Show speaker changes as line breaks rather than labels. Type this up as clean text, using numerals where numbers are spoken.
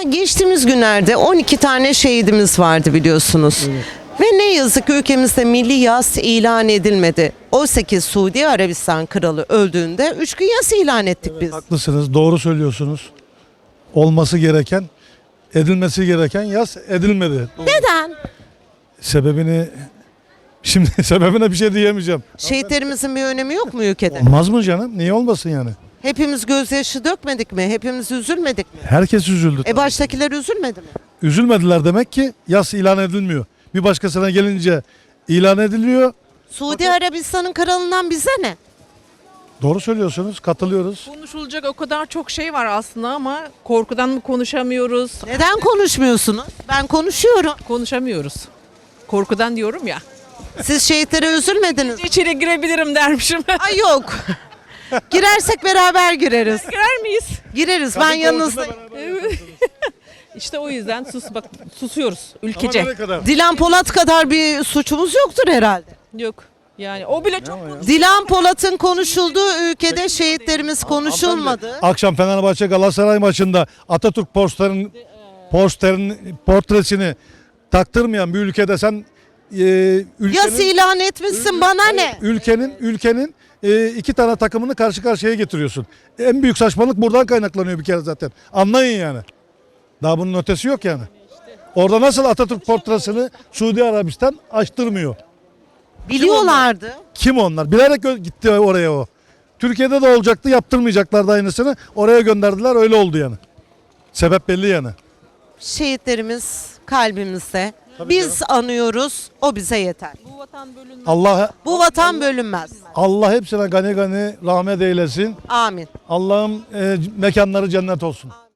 geçtiğimiz günlerde 12 tane şehidimiz vardı biliyorsunuz. Ve ne yazık ki ülkemizde milli yas ilan edilmedi. Oysa ki Suudi Arabistan kralı öldüğünde 3 gün yas ilan ettik biz.
Haklısınız, doğru söylüyorsunuz. Olması gereken, edilmesi gereken yas edilmedi.
Neden?
Sebebine bir şey diyemeyeceğim.
Şehitlerimizin bir önemi yok mu ülkede?
Olmaz mı canım? Niye olmasın yani?
Hepimiz gözyaşı dökmedik mi? Hepimiz üzülmedik mi?
Herkes üzüldü.
Baştakiler üzülmedi mi?
Üzülmediler demek ki yas ilan edilmiyor. Bir başkasına gelince ilan ediliyor.
Suudi Arabistan'ın kralından bize ne?
Doğru söylüyorsunuz, katılıyoruz.
Konuşulacak o kadar çok şey var aslında ama korkudan mı konuşamıyoruz?
Neden konuşmuyorsunuz? Ben konuşuyorum.
Konuşamıyoruz. Korkudan diyorum ya.
Siz şehitlere üzülmediniz mi?
İçeri girebilirim dermişim.
Ay yok. Girersek beraber gireriz.
Girer miyiz?
Gireriz. Ben yanınızdayım.
İşte o yüzden susuyoruz ülkece.
Dilan Polat kadar bir suçumuz yoktur herhalde.
Yok. Yani o bile çok
Dilan Polat'ın konuşulduğu ülkede şehitlerimiz konuşulmadı.
Akşam Fenerbahçe Galatasaray maçında Atatürk portresini taktırmayan bir ülkede sen
Yas ilan etmişsin bana ne?
ülkenin iki tane takımını karşı karşıya getiriyorsun. En büyük saçmalık buradan kaynaklanıyor bir kere zaten. Anlayın yani. Daha bunun ötesi yok yani. Orada nasıl Atatürk portresini Suudi Arabistan açtırmıyor?
Biliyorlardı.
Kim onlar? Bilerek gitti oraya o. Türkiye'de de olacaktı, yaptırmayacaklardı aynısını. Oraya gönderdiler, öyle oldu yani. Sebep belli yani.
Şehitlerimiz kalbimizde. Biz anıyoruz, o bize yeter.
bu vatan bölünmez.
Bu vatan bölünmez.
Allah hepsine gani gani rahmet eylesin.
Amin.
Allah'ım mekanları cennet olsun.